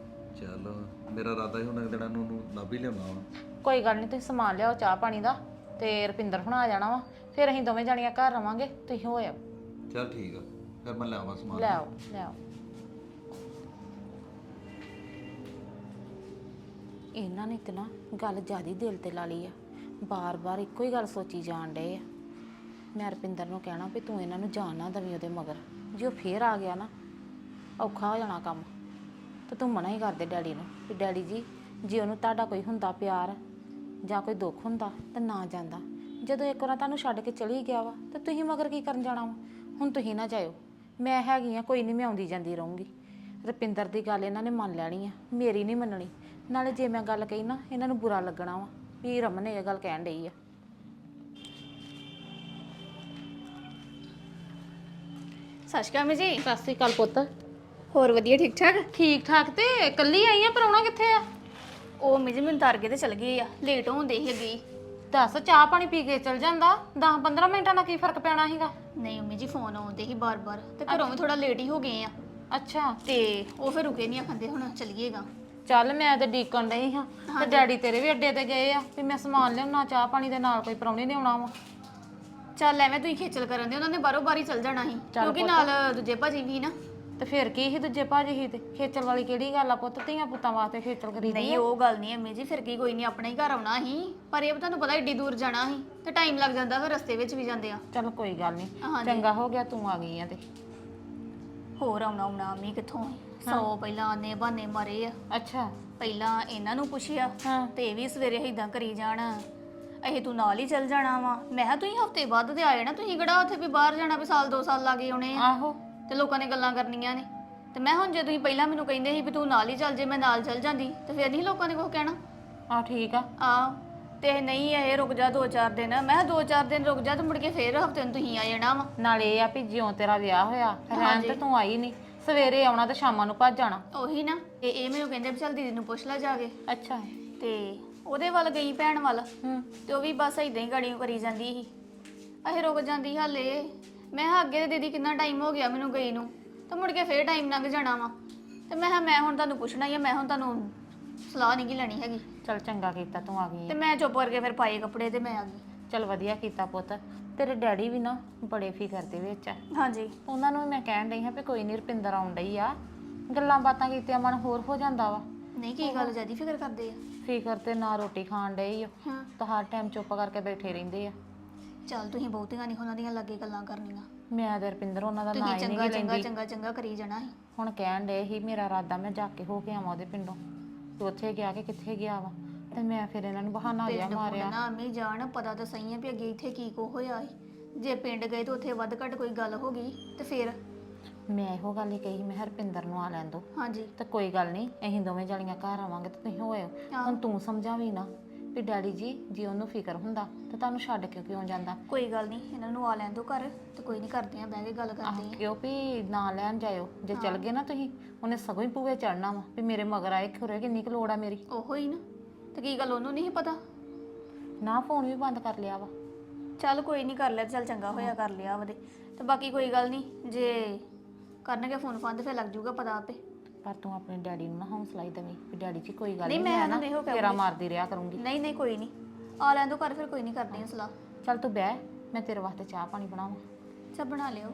ਚੱਲ, ਮੇਰਾ ਇਰਾਦਾ ਹੀ ਹੁਣ ਦਿਨਾਂ ਨੂੰ ਲੱਭ ਹੀ ਲਿਆਉਣਾ ਵਾ।
ਕੋਈ ਗੱਲ ਨਹੀਂ, ਤੁਸੀਂ ਸਮਾਨ ਲਿਆਓ ਚਾਹ ਪਾਣੀ ਦਾ, ਤੇ ਰੁਪਿੰਦਰ ਹੁਣਾ ਆ ਜਾਣਾ ਵਾ ਫਿਰ ਅਸੀਂ ਦੋਵੇਂ ਜਾਣੀਆਂ ਘਰ ਰਵਾਂਗੇ ਤੁਸੀਂ ਹੋ ਆਓ।
ਚੱਲ ਠੀਕ ਆ, ਫਿਰ ਮੈਂ ਲਿਆਵਾਂ ਸਮਾਨ।
ਲੈ ਆਓ ਲੈ ਆਓ। ਇਹਨਾਂ ਨੇ ਤੇ ਨਾ ਗੱਲ ਜ਼ਿਆਦਾ ਦਿਲ ਤੇ ਲਾ ਲਈ ਆ, ਬਾਰ-ਬਾਰ ਇੱਕੋ ਹੀ ਗੱਲ ਸੋਚੀ ਜਾਣ ਡਏ ਆ। ਮੈਂ ਰੁਪਿੰਦਰ ਨੂੰ ਕਹਿਣਾ ਵੀ ਤੂੰ ਇਹਨਾਂ ਨੂੰ ਜਾਣ ਨਾ ਦਵੀਂ ਉਹਦੇ ਮਗਰ, ਜੇ ਉਹ ਫੇਰ ਆ ਗਿਆ ਨਾ ਔਖਾ ਹੋ ਜਾਣਾ ਕੰਮ। ਤੇ ਤੂੰ ਮਨਾ ਹੀ ਕਰਦੇ ਡੈਡੀ ਨੂੰ ਵੀ ਡੈਡੀ ਜੀ ਜੇ ਉਹਨੂੰ ਤੁਹਾਡਾ ਕੋਈ ਹੁੰਦਾ ਪਿਆਰ ਜਾਂ ਕੋਈ ਦੁੱਖ ਹੁੰਦਾ ਤਾਂ ਨਾ ਜਾਂਦਾ, ਜਦੋਂ ਇੱਕ ਵਾਰ ਤੁਹਾਨੂੰ ਛੱਡ ਕੇ ਚਲੀ ਗਿਆ ਵਾ ਤਾਂ ਤੁਸੀਂ ਮਗਰ ਕੀ ਕਰਨ ਜਾਣਾ ਵਾ। ਹੁਣ ਤੁਸੀਂ ਨਾ ਜਾਇਓ, ਮੈਂ ਹੈਗੀ ਆ, ਕੋਈ ਨਹੀਂ, ਮੈਂ ਆਉਂਦੀ ਜਾਂਦੀ ਰਹੂੰਗੀ। ਰੁਪਿੰਦਰ ਦੀ ਗੱਲ ਇਹਨਾਂ ਨੇ ਮੰਨ ਲੈਣੀ ਆ, ਮੇਰੀ ਨਹੀਂ ਮੰਨਣੀ। ਨਾਲੇ ਜੇ ਮੈਂ ਗੱਲ ਕਹੀ ਨਾ ਇਹਨਾਂ ਨੂੰ ਬੁਰਾ ਲੱਗਣਾ ਵਾ ਵੀ ਰਮਨ ਇਹ ਗੱਲ ਕਹਿਣ ਡਈ ਆ।
ਸਤਿ ਸ਼੍ਰੀ ਅਕਾਲ ਅਮੀ ਜੀ।
ਸਤਿ ਸ਼੍ਰੀ ਅਕਾਲ ਪੁੱਤ।
ਹੋਰ ਵਧੀਆ ਠੀਕ ਠਾਕ?
ਠੀਕ ਠਾਕ। ਤੇ ਇਕੱਲੀ ਆਈ ਆ, ਪਰਾਉਣਾ ਕਿੱਥੇ ਆ?
ਉਹ ਅਮੀ ਜੀ ਮੈਨੂੰ ਤਾਰ ਕੇ ਤੇ ਚਲ ਗਏ ਆ, ਲੇਟ ਹੁੰਦੇ ਸੀ ਅੱਗੇ।
ਦੱਸ ਚਾਹ ਪਾਣੀ ਪੀ ਕੇ ਚਲ ਜਾਂਦਾ, 10-15 ਮਿੰਟਾਂ ਨਾਲ ਕੀ ਫਰਕ ਪੈਣਾ ਸੀਗਾ?
ਨਹੀਂ ਅਮੀ ਜੀ ਫੋਨ ਆਉਂਦੇ ਸੀ ਬਾਰ-ਬਾਰ ਤੇ ਘਰੋਂ ਵੀ ਥੋੜਾ ਲੇਟ ਹੀ ਹੋ ਗਏ ਆ
ਅੱਛਾ।
ਤੇ ਉਹ ਫਿਰ ਰੁਕੇ ਨਹੀਂ, ਆਖੰਦੇ ਹੁਣ ਚਲੀਏਗਾ।
ਚੱਲ ਮੈਂ ਤੇ ਡੀਕਣ ਡਈ ਹਾਂ ਤੇ ਡੈਡੀ ਤੇਰੇ ਵੀ ਅੱਡੇ ਤੇ ਗਏ ਆ ਵੀ ਮੈਂ ਸਮਾਨ ਲਿਆਉਣਾ ਚਾਹ ਪਾਣੀ ਦੇ ਨਾਲ, ਕੋਈ ਪ੍ਰਾਹੁਣੇ ਨੇ ਆਉਣਾ ਵਾ।
ਚੱਲ ਐਵੇਂ ਤੁਸੀਂ ਖੇਚਲ ਕਰਨ ਦੇ, ਉਹਨਾਂ ਨੇ ਬਾਰੋ ਬਾਰੀ ਚੱਲ ਜਾਣਾ ਸੀ ਕਿਉਂਕਿ ਨਾਲ ਦੂਜੇ ਭਾਜੀ ਵੀ ਨਾ।
ਤੇ ਫਿਰ ਕੀ ਸੀ ਦੂਜੇ ਭਾਜੀ ਹੀ ਤੇ ਖੇਚਲ ਵਾਲੀ ਕਿਹੜੀ ਗੱਲ ਆ ਪੁੱਤ, ਧੀਆਂ ਪੁੱਤਾਂ ਵਾਸਤੇ ਖੇਚਲ ਕਰੀ ਦੀ
ਨਹੀਂ ਉਹ ਗੱਲ ਨਹੀਂ ਅਮੀ ਜੀ, ਫਿਰ ਕੀ ਕੋਈ ਨਹੀਂ, ਆਪਣਾ ਹੀ ਘਰ ਆਉਣਾ ਸੀ, ਪਰ ਇਹ ਤੁਹਾਨੂੰ ਪਤਾ ਏਡੀ ਦੂਰ ਜਾਣਾ ਸੀ ਤੇ ਟਾਈਮ ਲੱਗ ਜਾਂਦਾ ਫਿਰ ਰਸਤੇ ਵਿੱਚ ਵੀ ਜਾਂਦੇ ਆ।
ਚੱਲ ਕੋਈ ਗੱਲ ਨਹੀਂ,
ਹਾਂਜੀ।
ਚੰਗਾ ਹੋ ਗਿਆ ਤੂੰ ਆ ਗਈ ਆ ਤੇ।
ਹੋਰ ਆਉਣਾ ਅਮੀ ਕਿੱਥੋਂ, 100 ਪਹਿਲਾਂ ਆਨੇ ਬਹਾਨੇ ਮਾਰੇ ਆ।
ਅੱਛਾ।
ਪਹਿਲਾਂ ਇਹਨਾਂ ਨੂੰ ਪੁੱਛਿਆ
ਹਾਂ।
ਤੇ ਇਹ ਵੀ ਸਵੇਰੇ ਇਦਾਂ ਕਰੀ ਜਾਣ, ਇਹ ਤੂੰ ਨਾਲ ਹੀ ਚੱਲ ਜਾਣਾ ਵਾ। ਮੈਂ ਕਿਹਾ ਤੁਸੀਂ ਹਫਤੇ ਬਾਅਦ ਤੇ ਆਏ ਨਾ, ਤੁਸੀਂ ਕਿਹੜਾ ਉੱਥੇ ਵੀ ਬਾਹਰ ਜਾਣਾ ਵੀ ਸਾਲ 2 ਸਾਲ ਲੱਗੇ ਆਉਣੇ ਆ
ਆਹੋ।
ਤੇ ਲੋਕਾਂ ਨੇ ਗੱਲਾਂ ਕਰਨੀਆਂ ਨੇ। ਤੇ ਮੈਂ ਹੁਣ ਜੇ ਤੁਸੀਂ ਪਹਿਲਾਂ ਮੈਨੂੰ ਕਹਿੰਦੇ ਸੀ ਵੀ ਤੂੰ ਨਾਲ ਹੀ ਚੱਲ, ਜੇ ਮੈਂ ਨਾਲ ਚੱਲ ਜਾਂਦੀ ਤੇ ਫਿਰ ਨਹੀਂ ਲੋਕਾਂ ਨੇ ਕੁਝ ਕਹਿਣਾ।
ਆ ਠੀਕ ਆ।
ਆ ਤੇ ਨਹੀਂ ਇਹ ਰੁਕ ਜਾ 2-4 ਦਿਨ, ਮੈਂ ਕਿਹਾ 2-4 ਦਿਨ ਰੁਕ ਜਾ ਤੇ ਮੁੜ ਕੇ ਫੇਰ ਹਫਤੇ ਨੂੰ ਤੁਸੀਂ ਆ ਜਾਣਾ ਵਾ।
ਨਾਲ ਇਹ ਆ ਵੀ ਜਿਉਂ ਤੇਰਾ ਵਿਆਹ ਹੋਇਆ ਰਹਿਣ ਤੇ ਤੂੰ ਆਈ ਨਹੀਂ, ਸਵੇਰੇ ਆਉਣਾ ਤੇ ਸ਼ਾਮਾਂ ਨੂੰ ਭੱਜ ਜਾਣਾ।
ਉਹੀ ਨਾ, ਤੇ ਇਹ ਮੈਨੂੰ ਕਹਿੰਦੇ ਵੀ ਚੱਲ ਦੀਦੀ ਨੂੰ ਪੁੱਛ ਲੈ ਜਾ ਕੇ।
ਅੱਛਾ।
ਤੇ ਉਹਦੇ ਵੱਲ ਗਈ ਭੈਣ ਵੱਲ,
ਹੂੰ।
ਤੇ ਉਹ ਵੀ ਬਸ ਇਦਾਂ ਹੀ ਗਾੜੀ ਕਰੀ ਜਾਂਦੀ ਸੀ, ਅਸੀਂ ਰੁਕ ਜਾਂਦੀ ਹਾਲੇ। ਮੈਂ ਕਿਹਾ ਅੱਗੇ ਤੇ ਦੀਦੀ ਕਿੰਨਾ ਟਾਈਮ ਹੋ ਗਿਆ ਮੈਨੂੰ ਗਈ ਨੂੰ, ਤੇ ਮੁੜ ਕੇ ਫੇਰ ਟਾਈਮ ਲੰਘ ਜਾਣਾ ਵਾ। ਤੇ ਮੈਂ ਕਿਹਾ ਮੈਂ ਹੁਣ ਤੁਹਾਨੂੰ ਪੁੱਛਣਾ ਹੀ ਆ, ਮੈਂ ਹੁਣ ਤੁਹਾਨੂੰ ਸਲਾਹ ਨਹੀਂ ਗੀ ਲੈਣੀ ਹੈਗੀ।
ਚੱਲ ਚੰਗਾ ਕੀਤਾ ਤੂੰ ਆ ਗਈ
ਤੇ
ਆ।
ਮੈਂ ਚੁੱਪ ਕਰਕੇ ਫਿਰ ਪਾਏ ਕੱਪੜੇ ਤੇ ਮੈਂ ਆ ਗਈ।
ਚੱਲ ਵਧੀਆ ਕੀਤਾ ਪੁੱਤ। ਤੇਰੇ ਡੈਡੀ ਵੀ ਨਾ ਬੜੇ ਫਿਕਰ ਦੇ ਵਿੱਚ ਆ।
ਹਾਂਜੀ।
ਉਹਨਾਂ ਨੂੰ ਵੀ ਮੈਂ ਕਹਿਣ ਡਈ ਹਾਂ ਵੀ ਕੋਈ ਨਹੀਂ ਰੁਪਿੰਦਰ ਆਉਣ ਡਈ ਆ, ਗੱਲਾਂ ਬਾਤਾਂ ਕੀਤਿਆਂ ਮਨ ਹੋਰ ਹੋ ਜਾਂਦਾ ਵਾ।
ਨਹੀਂ ਕੀ ਗੱਲ ਜਿਆਦੀ ਫਿਕਰ ਕਰਦੇ ਆ?
ਫਿਕਰ ਤੇ ਨਾ ਰੋਟੀ ਖਾਣ ਡਈ ਆ
ਹਾਂ।
ਤਾਂ ਹਰ ਟਾਈਮ ਚੁੱਪ ਕਰਕੇ ਬੈਠੇ ਰਹਿੰਦੇ ਆ।
ਚੱਲ ਤੁਸੀਂ ਬਹੁਤੀਆਂ ਨਹੀਂ ਉਹਨਾਂ ਦੀਆਂ ਲੱਗੇ ਗੱਲਾਂ ਕਰਨੀਆਂ,
ਮੈਂ ਤੇ ਰੁਪਿੰਦਰ ਉਹਨਾਂ ਦਾ ਨਾਂ
ਤੁਸੀਂ
ਹੀ
ਚੰਗਾ
ਨਹੀਂ
ਚੰਗਾ
ਲੈਂਦੀ।
ਚੰਗਾ ਚੰਗਾ ਕਰੀ ਜਾਣਾ ਸੀ।
ਹੁਣ ਕਹਿਣ ਡੇ ਹੀ ਮੇਰਾ ਇਰਾਦਾ ਮੈਂ ਜਾ ਕੇ ਹੋ ਕੇ ਆਵਾਂ ਉਹਦੇ ਪਿੰਡੋਂ, ਤੇ ਉੱਥੇ ਗਿਆ ਕਿ ਕਿੱਥੇ ਗਿਆ ਵਾ, ਤੇ ਮੈਂ ਫਿਰ ਇਹਨਾਂ ਨੂੰ ਬਹਾਨਾ ਜਿਹਾ ਮਾਰਿਆ।
ਨਾ ਅਮੀ ਜਾਣ, ਪਤਾ ਤਾਂ ਸਹੀ ਆ ਵੀ ਅੱਗੇ ਇੱਥੇ ਕੀ ਕੋ ਹੋਇਆ ਸੀ। ਜੇ ਪਿੰਡ ਗਏ ਤਾਂ ਉੱਥੇ ਵੱਧ ਘੱਟ ਕੋਈ ਗੱਲ ਹੋ ਗਈ ਤੇ ਫਿਰ।
ਮੈਂ ਇਹੋ ਗੱਲ ਹੀ ਕਹੀ, ਮੈਂ ਹਰਪਿੰਦਰ ਨੂੰ ਆ ਲੈਣ ਦੋ
ਹਾਂਜੀ।
ਤੇ ਕੋਈ ਗੱਲ ਨਹੀਂ, ਅਸੀਂ ਦੋਵੇਂ ਜਣੀਆਂ ਘਰ ਆਵਾਂਗੇ ਤੇ ਤੁਸੀਂ ਹੋਇਓ। ਹੁਣ ਤੂੰ ਸਮਝਾਵੀਂ ਨਾ ਵੀ ਡੈਡੀ ਜੀ ਜੇ ਉਹਨੂੰ ਫਿਕਰ ਹੁੰਦਾ ਤੇ ਤੁਹਾਨੂੰ ਛੱਡ ਕੇ ਕਿਉਂ ਜਾਂਦਾ।
ਕੋਈ ਗੱਲ ਨਹੀਂ, ਇਹਨਾਂ ਨੂੰ ਆ ਲੈਣ ਦੋ ਘਰ, ਤੇ ਕੋਈ ਨਹੀਂ ਕਰਦੇ ਆ ਬਹਿ ਕੇ ਗੱਲ ਕਰਦੇ ਆ।
ਕਿਉਂ ਵੀ ਨਾ ਲੈਣ ਜਾਇਓ, ਜੇ ਚੱਲ ਗਏ ਨਾ ਤੁਸੀਂ ਉਹਨੇ ਸਗੋਂ ਹੀ ਪੂਵੇ ਚੜਨਾ ਵਾ ਵੀ ਮੇਰੇ ਮਗਰ ਆਏ ਖੁਰੇ ਕਿੰਨੀ ਕੁ ਲੋੜ ਆ ਮੇਰੀ।
ਉਹੋ ਹੀ ਨਾ, ਤੇ ਕੀ ਗੱਲ ਉਹਨੂੰ ਨਹੀਂ ਪਤਾ?
ਨਾ ਫੋਨ ਵੀ ਬੰਦ ਕਰ ਲਿਆ ਵਾ।
ਚੱਲ ਕੋਈ ਨਹੀਂ, ਕਰ ਲਿਆ ਚੱਲ ਚੰਗਾ ਹੋਇਆ, ਕਰ ਲਿਆ ਉਹਦੇ। ਤੇ ਬਾਕੀ ਕੋਈ ਗੱਲ ਨਹੀਂ, ਜੇ ਕਰਨਗੇ ਫੋਨ ਫਾਨ ਫਿਰ ਲੱਗ ਜੂਗਾ ਪਤਾ ਆਪੇ।
ਪਰ ਤੂੰ ਆਪਣੇ ਡੈਡੀ ਨੂੰ ਨਾ ਹੌਸਲਾ ਹੀ ਦੇਵੀਂ ਵੀ ਡੈਡੀ ਜੀ ਕੋਈ ਗੱਲ
ਨਹੀਂ,
ਨਹੀਂ,
ਮੈਂ
ਨਾ
ਇਹੋ ਕਹੂੰਗੀ।
ਤੇਰਾ ਮਾਰਦੀ ਰਿਹਾ ਕਰੂੰਗੀ।
ਨਹੀਂ ਨਹੀਂ ਕੋਈ ਨਹੀਂ, ਆ ਲੈਣ ਦੋ ਘਰ, ਫਿਰ ਕੋਈ ਨਹੀਂ ਕਰਦੇ ਆ ਸਲਾਹ।
ਚੱਲ ਤੂੰ ਬਹਿ, ਮੈਂ ਤੇਰੇ ਵਾਸਤੇ ਚਾਹ ਪਾਣੀ ਬਣਾਵਾਂ।
ਚੱਲ ਬਣਾ ਲਿਓ।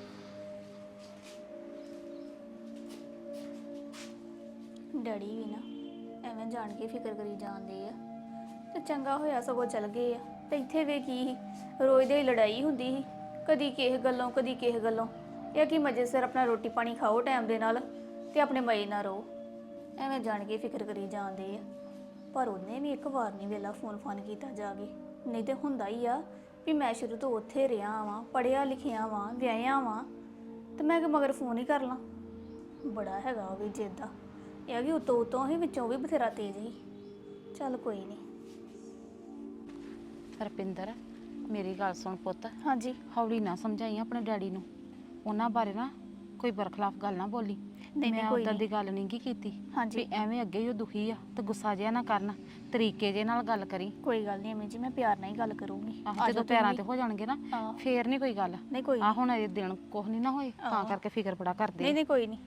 ਡੈਡੀ ਵੀ ਨਾ ਐਵੇਂ ਜਾਣ ਕੇ ਫਿਕਰ ਕਰੀ ਜਾਂਦੇ ਆ, ਤੇ ਚੰਗਾ ਹੋਇਆ ਸਗੋਂ ਚੱਲ ਗਏ ਆ। ਤੇ ਇੱਥੇ ਵੇ ਕੀ ਸੀ, ਰੋਜ਼ ਦੀ ਲੜਾਈ ਹੁੰਦੀ ਸੀ, ਕਦੀ ਕਿਸੇ ਗੱਲੋਂ ਕਦੀ ਕਿਸੇ ਗੱਲੋਂ। ਇਹ ਕੀ ਮਜੇ ਸਿਰ ਆਪਣਾ ਰੋਟੀ ਪਾਣੀ ਖਾਓ ਟਾਈਮ ਦੇ ਨਾਲ, ਤੇ ਆਪਣੇ ਮਜ਼ੇ ਨਾਲ ਰਹੋ। ਐਵੇਂ ਜਾਣ ਕੇ ਫਿਕਰ ਕਰੀ ਜਾਂਦੇ ਆ। ਪਰ ਉਹਨੇ ਵੀ ਇੱਕ ਵਾਰ ਨਹੀਂ ਵੇਲਾ ਫੋਨ ਫਾਨ ਕੀਤਾ ਜਾ ਕੇ। ਨਹੀਂ ਤੇ ਹੁੰਦਾ ਹੀ ਆ ਵੀ ਮੈਂ ਸ਼ੁਰੂ ਤੋਂ ਉੱਥੇ ਰਿਹਾ ਵਾਂ, ਪੜ੍ਹਿਆ ਲਿਖਿਆ ਵਾਂ, ਵਿਆਹਿਆ ਵਾਂ, ਤੇ ਮੈਂ ਕਿ ਮਗਰ ਫੋਨ ਹੀ ਕਰ ਲਾਂ। ਬੜਾ ਹੈਗਾ ਉਹ ਵੀ ਜਿੱਦਾਂ, ਇਹ ਆ ਕਿ ਉਤੋਂ ਹੀ ਵਿੱਚੋਂ ਵੀ ਬਥੇਰਾ ਤੇਜ਼ ਹੀ। ਚੱਲ ਕੋਈ ਨਹੀਂ।
ਰੁਪਿੰਦਰ ਮੇਰੀ ਗੱਲ ਸੁਣ ਪੁੱਤ,
ਹਾਂਜੀ।
ਹੌਲੀ ਨਾ ਸਮਝਾਈ ਆਪਣੇ ਡੈਡੀ ਨੂੰ, ਉਹਨਾਂ ਬਾਰੇ ਨਾ ਕੋਈ ਬਰਖਲਾਫ ਗੱਲ ਨਾ ਬੋਲੀ।
ਨਹੀਂ
ਮੈਂ
ਕੋਈ
ਉਧਰ
ਨਹੀਂ।
ਦੀ ਗੱਲ ਨਹੀਂ ਕੀਤੀ
ਹਾਂਜੀ।
ਵੀ ਐਵੇਂ ਅੱਗੇ ਹੀ ਉਹ ਦੁਖੀ ਆ ਤੇ ਗੁੱਸਾ ਜਿਹਾ ਨਾ ਕਰਨ, ਤਰੀਕੇ ਜੇ ਨਾਲ ਗੱਲ ਕਰੀ।
ਕੋਈ ਗੱਲ ਨਹੀਂ ਅਮੀ ਜੀ, ਮੈਂ ਪਿਆਰ ਨਾਲ ਹੀ ਗੱਲ ਕਰੂੰਗੀ।
ਆਹੋ ਜਦੋਂ ਪੈਰਾਂ ਤੇ ਹੋ ਜਾਣਗੇ ਨਾ
ਹਾਂ।
ਫੇਰ ਨਹੀਂ ਕੋਈ ਗੱਲ।
ਨਹੀਂ ਕੋਈ
ਆ ਹੁਣ ਇਹ ਦਿਨ ਕੁਝ ਨਹੀਂ ਨਾ ਹੋਏ ਤਾਂ
ਆਹੋ।
ਕਰਕੇ ਫਿਕਰ ਬੜਾ ਕਰਦੇ
ਨਹੀਂ ਨਹੀਂ ਕੋਈ ਨਹੀਂ।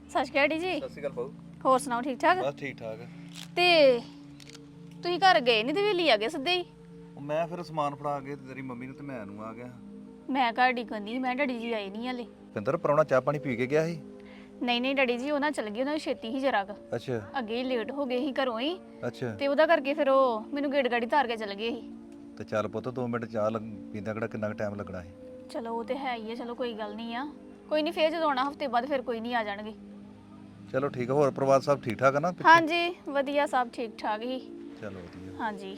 ਸਤਿ ਸ਼੍ਰੀ ਅਕਾਲ ਜੀ
ਸਤਿ ਸ਼੍ਰੀ ਅਕਾਲ ਬਾਊ।
ਹੋਰ ਸੁਣਾਓ ਠੀਕ ਠਾਕ
ਬਸ ਠੀਕ ਠਾਕ।
ਤੇ ਤੁਸੀਂ ਘਰ ਗਏ ਨਹੀਂ ਤੇ ਵੇਲੀ ਆ ਗਏ ਸਿੱਧੇ ਹੀ।
ਉਹ ਮੈਂ ਫਿਰ ਸਮਾਨ ਫੜਾ ਕੇ ਤੇ ਤੇਰੀ ਮੰਮੀ ਨੂੰ ਤੇ ਮੈਂ ਨੂੰ ਆ ਗਿਆ।
ਮੈਂ ਘਰ ਡਿੱਗਣੀ ਮੈਂ ਡੈਡੀ ਜੀ ਆਏ ਨਹੀਂ ਹਲੇ।
ਪਿੰਦਰ ਪ੍ਰਾਹੁਣਾ ਚਾਹ ਪਾਣੀ ਪੀ ਕੇ ਗਿਆ ਸੀ?
ਨਹੀਂ ਡੈਡੀ ਜੀ ਉਹਨਾਂ ਚਲ ਗਏ ਉਹਨਾਂ ਦੀ ਛੇਤੀ ਹੀ ਜਰਾ ਕੁ
ਅੱਛਾ
ਅੱਗੇ ਹੀ ਲੇਟ ਹੋ ਗਏ ਸੀ ਘਰੋਂ ਹੀ
ਅੱਛਾ।
ਤੇ ਉਹਦਾ ਕਰਕੇ ਫਿਰ ਉਹ ਮੈਨੂੰ ਗੇੜ ਗਾੜੀ ਧਾਰ ਕੇ ਚਲ ਗਏ ਸੀ।
ਤੇ ਚੱਲ ਪੁੱਤ 2 ਮਿੰਟ ਚਾਹ ਪੀਂਦਾ ਕਿਹੜਾ ਕਿੰਨਾ ਟਾਈਮ ਲੱਗਣਾ ਸੀ।
ਚਲੋ ਉਹ ਤੇ ਹੈ ਹੀ ਹੈ, ਚਲੋ ਕੋਈ ਗੱਲ ਨਹੀਂ ਆ। ਕੋਈ ਨਹੀਂ ਫੇਰ ਜਦੋਂ ਆਉਣਾ ਹਫਤੇ ਬਾਅਦ ਫਿਰ ਕੋਈ ਨਹੀਂ ਆ ਜਾਣਗੇ।
ਚਲੋ ਠੀਕ ਆ। ਹੋਰ ਪਰਿਵਾਰ ਸਭ ਠੀਕ ਠਾਕ ਆ ਨਾ?
ਹਾਂਜੀ ਵਧੀਆ ਸਭ ਠੀਕ ਠਾਕ ਹੀ।
ਚਲੋ ਵਧੀਆ।
ਹਾਂਜੀ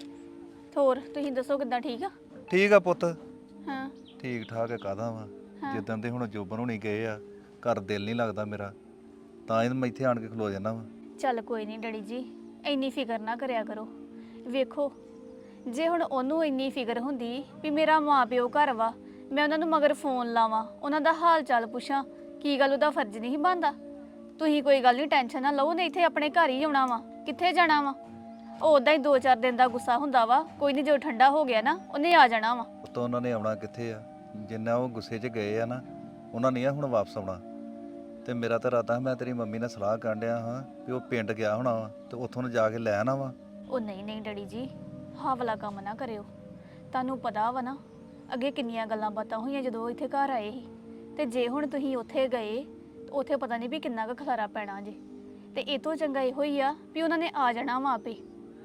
ਹੋਰ ਤੁਸੀਂ ਦੱਸੋ ਕਿੱਦਾਂ ਠੀਕ ਆ?
ਠੀਕ ਆ ਪੁੱਤ,
ਹਾਂ
ਠੀਕ ਠਾਕ ਹੈ। ਕਾਹਦਾ ਵਾ ਜਿੱਦਾਂ ਦੇ ਹੁਣ ਜੋਬਨ ਹੋਣੀ ਗਏ ਆ, ਘਰ ਦਿਲ ਨਹੀਂ ਲੱਗਦਾ ਮੇਰਾ, ਤਾਂ ਹੀ ਮੈਂ ਇੱਥੇ ਆਣ ਕੇ ਖਲੋ ਜਾਂਦਾ ਵਾ।
ਚੱਲ ਕੋਈ ਨਹੀਂ ਡੈਡੀ ਜੀ ਇੰਨੀ ਫਿਕਰ ਨਾ ਕਰਿਆ ਕਰੋ। ਵੇਖੋ ਜੇ ਹੁਣ ਉਹਨੂੰ ਇੰਨੀ ਫਿਕਰ ਹੁੰਦੀ ਵੀ ਮੇਰਾ ਮਾਂ ਪਿਓ ਘਰ ਵਾ, ਮੈਂ ਉਹਨਾਂ ਨੂੰ ਮਗਰ ਫੋਨ ਲਾਵਾਂ, ਉਹਨਾਂ ਦਾ ਹਾਲ ਚਾਲ ਪੁੱਛਾਂ, ਕੀ ਗੱਲ ਉਹਦਾ ਫਰਜ਼ ਨਹੀਂ ਬਣਦਾ? ਤੁਸੀਂ ਕੋਈ ਗੱਲ ਨਹੀਂ ਟੈਨਸ਼ਨ ਨਾ ਲਓ, ਨਹੀਂ ਇੱਥੇ ਆਪਣੇ ਘਰ ਹੀ ਆਉਣਾ ਵਾ, ਕਿੱਥੇ ਜਾਣਾ ਵਾ? ਉਹ ਉਦਾਂ ਹੀ 2-4 ਦਿਨ ਦਾ ਗੁੱਸਾ ਹੁੰਦਾ ਵਾ, ਕੋਈ ਨਹੀਂ ਜੋ ਠੰਡਾ ਹੋ ਗਿਆ ਨਾ ਉਹਨੇ ਆ ਜਾਣਾ ਵਾ।
ਤਾਂ ਉਹਨਾਂ ਨੇ ਆਉਣਾ ਕਿੱਥੇ ਆ? ਜਿੰਨਾ ਉਹ ਗੁੱਸੇ 'ਚ ਗਏ ਆ ਨਾ, ਉਹਨਾਂ ਨੇ ਆ ਹੁਣ ਵਾਪਸ ਆਉਣਾ। ਤੇ ਮੇਰਾ ਤਾਂ ਇਰਾਦਾ ਮੈਂ ਤੇਰੀ ਮੰਮੀ ਨਾਲ ਸਲਾਹ ਕਰਨ ਡਿਆ ਹਾਂ ਵੀ ਉਹ ਪਿੰਡ ਗਿਆ ਹੋਣਾ ਵਾ ਤੇ ਉੱਥੋਂ ਨੂੰ ਜਾ ਕੇ ਲੈ ਆਣਾ ਵਾ।
ਉਹ ਨਹੀਂ ਡੈਡੀ ਜੀ ਹਾਂ ਵਾਲਾ ਕੰਮ ਨਾ ਕਰਿਓ। ਤੁਹਾਨੂੰ ਪਤਾ ਵਾ ਨਾ ਅੱਗੇ ਕਿੰਨੀਆਂ ਗੱਲਾਂ ਬਾਤਾਂ ਹੋਈਆਂ ਜਦੋਂ ਉਹ ਇੱਥੇ ਘਰ ਆਏ ਸੀ, ਤੇ ਜੇ ਹੁਣ ਤੁਸੀਂ ਉੱਥੇ ਗਏ ਉੱਥੇ ਪਤਾ ਨਹੀਂ ਵੀ ਕਿੰਨਾ ਕੁ ਖਲਾਰਾ ਪੈਣਾ ਜੇ। ਤੇ ਇਹ ਤੋਂ ਚੰਗਾ ਇਹੋ ਹੀ ਆ ਵੀ ਉਹਨਾਂ ਨੇ ਆ ਜਾਣਾ ਵਾ ਆਪੇ।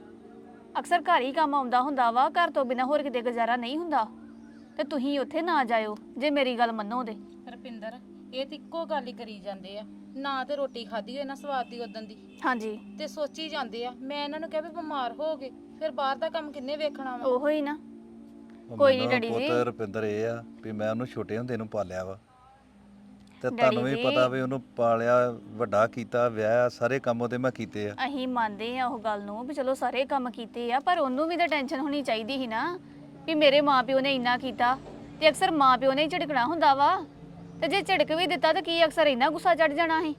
ਅਕਸਰ ਘਰ ਹੀ ਕੰਮ ਆਉਂਦਾ ਹੁੰਦਾ ਵਾ, ਘਰ ਤੋਂ ਬਿਨਾਂ ਹੋਰ ਕਿਤੇ ਗੁਜ਼ਾਰਾ ਨਹੀਂ ਹੁੰਦਾ। ਤੇ ਤੁਸੀਂ ਉੱਥੇ ਨਾ ਜਾਇਓ ਜੇ ਮੇਰੀ ਗੱਲ ਮੰਨੋ ਤੇ।
ਰਪਿੰਦਰ ਇਹ ਤੇ ਇੱਕੋ ਗੱਲ ਹੀ ਕਰੀ ਜਾਂਦੇ ਆ, ਨਾ ਤੇ ਰੋਟੀ ਖਾਧੀ ਹੋਏ ਨਾ ਸਵਾਦ ਦੀ ਉਦਣ ਦੀ,
ਹਾਂਜੀ
ਤੇ ਸੋਚੀ ਜਾਂਦੇ ਆ। ਮੈਂ ਇਹਨਾਂ ਨੂੰ ਕਿਹਾ ਵੀ ਬਿਮਾਰ ਹੋ ਗਏ ਫਿਰ ਬਾਹਰ ਦਾ ਕੰਮ ਕਿੰਨੇ ਵੇਖਣਾ ਵਾ।
ਉਹੋ ਹੀ ਨਾ।
ਉਹ
ਕੋਈ ਨੀ
ਮੈਨੂੰ
ਡੈਡੀ ਜੀ।
ਪੁੱਤ ਰੁਪਿੰਦਰ ਇਹ ਆ ਵੀ ਮੈਂ ਉਹਨੂੰ ਛੋਟੇ ਹੁੰਦੇ ਨੂੰ ਪਾਲਿਆ ਵਾ, ਤੇ
ਡੈਡੀ
ਤੁਹਾਨੂੰ ਵੀ
ਜੀ।
ਪਤਾ ਵੀ ਉਹਨੂੰ ਪਾਲਿਆ, ਵੱਡਾ ਕੀਤਾ, ਵਿਆਹ, ਸਾਰੇ ਕੰਮ ਉਹਦੇ ਮੈਂ ਕੀਤੇ ਆ।
ਅਸੀਂ ਮੰਨਦੇ ਆ ਉਹ ਗੱਲ ਨੂੰ ਵੀ ਚਲੋ ਸਾਰੇ ਕੰਮ ਕੀਤੇ ਆ, ਪਰ ਉਹਨੂੰ ਵੀ ਤਾਂ ਟੈਨਸ਼ਨ ਹੋਣੀ ਚਾਹੀਦੀ ਸੀ ਨਾ ਵੀ ਮੇਰੇ ਮਾਪਿਓ ਨੇ ਇੰਨਾ ਕੀਤਾ। ਤੇ ਅਕਸਰ ਮਾਪਿਓ ਨੇ ਹੀ ਝਿੜਕਣਾ ਹੁੰਦਾ ਵਾ, ਤੇ ਜੇ ਝਿੜਕ ਵੀ ਦਿੱਤਾ ਤਾਂ ਕੀ ਅਕਸਰ ਇੰਨਾ ਗੁੱਸਾ ਚੜ ਜਾਣਾ ਸੀ?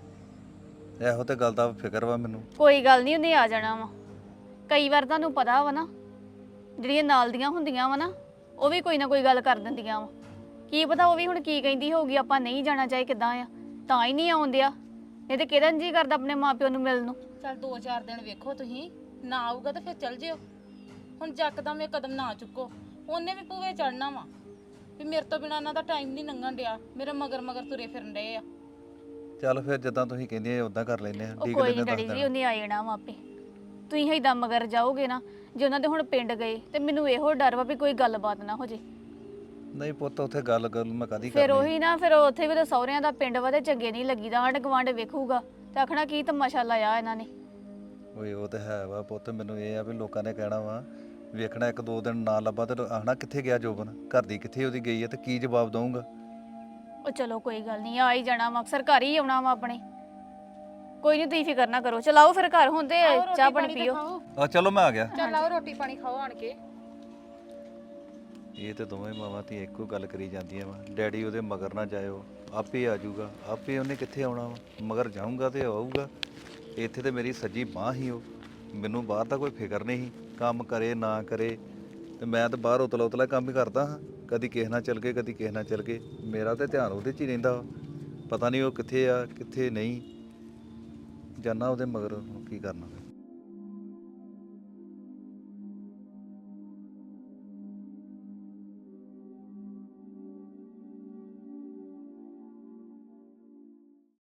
ਇਹੋ ਤੇ ਗੱਲ ਦਾ ਫਿਕਰ ਵਾ ਮੈਨੂੰ।
ਕੋਈ ਗੱਲ ਨਹੀਂ ਉਹਨੇ ਆ ਜਾਣਾ ਵਾ। ਕਈ ਵਾਰ ਤੁਹਾਨੂੰ ਪਤਾ ਵਾ ਨਾ ਜਿਹੜੀਆਂ ਨਾਲ ਦੀਆਂ ਹੁੰਦੀਆਂ ਵਾ ਨਾ ਉਹ ਵੀ ਕੋਈ ਨਾ ਕੋਈ ਗੱਲ ਕਰ ਦਿੰਦੀਆਂ ਵਾ। ਕੀ ਪਤਾ ਉਹ ਵੀ ਹੁਣ ਕੀ ਕਹਿੰਦੀ ਹੋਊਗੀ, ਆਪਾਂ ਨਹੀਂ ਜਾਣਾ ਚਾਹੇ ਕਿੱਦਾਂ ਆ, ਤਾਂ ਹੀ ਨਹੀਂ ਆਉਂਦਿਆ। ਨਹੀਂ ਤੇ ਕਿਹਦਾ ਜੀ ਕਰਦਾ ਆਪਣੇ ਮਾਪਿਓ ਨੂੰ ਮਿਲਣ ਨੂੰ।
ਚੱਲ 2-4 ਦਿਨ ਵੇਖੋ, ਤੁਸੀਂ ਨਾ ਆਊਗਾ ਤਾਂ ਫਿਰ ਚੱਲ ਜਿਓ। ਹੁਣ ਜੱਕਦਮ ਇਹ ਕਦਮ ਨਾ ਚੁੱਕੋ, ਉਹਨੇ ਵੀ ਭੂਵੇ ਚੜਨਾ ਵਾ ਵੀ ਮੇਰੇ ਤੋਂ ਬਿਨਾਂ ਇਹਨਾਂ ਦਾ ਟਾਈਮ ਨਹੀਂ ਲੰਘਣ ਡਿਆ, ਮੇਰੇ ਮਗਰ ਤੁਰੇ ਫਿਰਨ ਡਏ ਆ।
ਚੱਲ ਫਿਰ ਜਿੱਦਾਂ ਤੁਸੀਂ ਕਹਿੰਦੇ ਆ ਉਦਾਂ ਕਰ ਲੈਨੇ ਆ।
ਉਹ
ਠੀਕ
ਕੋਈ
ਲੈਨੇ
ਨਹੀਂ ਡੈਡੀ ਜੀ ਉਹਨੇ ਆ ਜਾਣਾ ਵਾ ਆਪੇ। ਤੁਸੀਂ ਏਦਾਂ ਮਗਰ ਜਾਓਗੇ ਨਾ, ਜੇ ਉਹਨਾਂ ਦੇ ਹੁਣ ਪਿੰਡ ਗਏ ਤੇ ਮੈਨੂੰ ਇਹੋ ਡਰ ਵਾ ਵੀ ਕੋਈ ਗੱਲਬਾਤ ਨਾ ਹੋ ਜੇ।
ਨਹੀਂ ਪੁੱਤ ਉੱਥੇ ਗੱਲ ਮੈਂ ਕਦੀ
ਫਿਰ
ਕਰਨੀ।
ਉਹੀ ਨਾ, ਫਿਰ ਉੱਥੇ ਵੀ ਤਾਂ ਸਹੁਰਿਆਂ ਦਾ ਪਿੰਡ ਵਾ ਤੇ ਚੰਗੇ ਨਹੀਂ ਲੱਗੀਦਾ। ਆਂਢ ਗੁਆਂਢ ਵੇਖੂਗਾ ਤੇ ਆਖਣਾ ਕੀ ਤਮਾਸ਼ਾ ਲਾਇਆ ਇਹਨਾਂ ਨੇ।
ਓਏ ਉਹ ਤੇ ਹੈ ਵਾ ਪੁੱਤ, ਮੈਨੂੰ ਇਹ ਆ ਵੀ ਲੋਕਾਂ ਨੇ ਕਹਿਣਾ ਵਾ, ਵੇਖਣਾ 1-2 ਦਿਨ ਨਾ ਲੱਭਾ ਤੇ ਆਖਣਾ ਕਿੱਥੇ ਗਿਆ ਜੋਬਨ, ਘਰ ਦੀ ਕਿੱਥੇ ਉਹਦੀ ਗਈ ਹੈ ਤੇ ਕੀ ਜਵਾਬ ਦਊਂਗਾ।
ਉਹ ਚਲੋ ਕੋਈ ਗੱਲ ਨਹੀਂ, ਆ ਹੀ ਜਾਣਾ ਵਾ, ਅਕਸਰ ਘਰ ਹੀ ਆਉਣਾ ਵਾ ਆਪਣੇ। ਕੋਈ ਨਹੀਂ ਤੁਸੀਂ ਫਿਕਰ ਨਾ ਕਰੋ, ਚਲਾਓ ਫਿਰ ਘਰ ਹੁੰਦੇ ਚਾਹ ਪਾਣੀ ਪੀਓ।
ਆ ਚਲੋ ਮੈਂ ਆ ਗਿਆ।
ਚੱਲ ਆਓ ਰੋਟੀ ਪਾਣੀ ਖਾਓ ਆਣ ਕੇ।
ਇਹ ਤੇ ਦੋਵੇਂ ਮਾਵਾਂ ਧੀਆਂ ਇੱਕੋ ਗੱਲ ਕਰੀ ਜਾਂਦੀਆਂ ਵਾ, ਡੈਡੀ ਉਹਦੇ ਮਗਰ ਨਾ ਜਾਇਓ, ਆਪੇ ਆ ਜਾਊਗਾ, ਆਪੇ ਉਹਨੇ ਕਿੱਥੇ ਆਉਣਾ ਵਾ, ਮਗਰ ਜਾਊਂਗਾ ਤੇ ਆਊਗਾ। ਇੱਥੇ ਤੇ ਮੇਰੀ ਸੱਜੀ ਬਾਂਹ ਹੀ ਉਹ, ਮੈਨੂੰ ਬਾਹਰ ਦਾ ਕੋਈ ਫਿਕਰ ਨਹੀਂ ਸੀ, ਕੰਮ ਕਰੇ ਨਾ ਕਰੇ, ਤੇ ਮੈਂ ਤਾਂ ਬਾਹਰ ਉਤਲਾ ਕੰਮ ਹੀ ਕਰਦਾ ਹਾਂ, ਕਦੀ ਕਿਸੇ ਨਾਲ ਚੱਲ ਗਏ ਕਦੀ ਕਿਸੇ ਨਾਲ ਚੱਲ ਗਏ। ਮੇਰਾ ਤੇ ਧਿਆਨ ਉਹਦੇ 'ਚ ਹੀ ਰਹਿੰਦਾ ਵਾ, ਪਤਾ ਨਹੀਂ ਉਹ ਕਿੱਥੇ ਆ ਕਿੱਥੇ ਨਹੀਂ, ਜਾਨਾ ਉਹਦੇ ਮਗਰ, ਹੁਣ ਕੀ ਕਰਨਾ।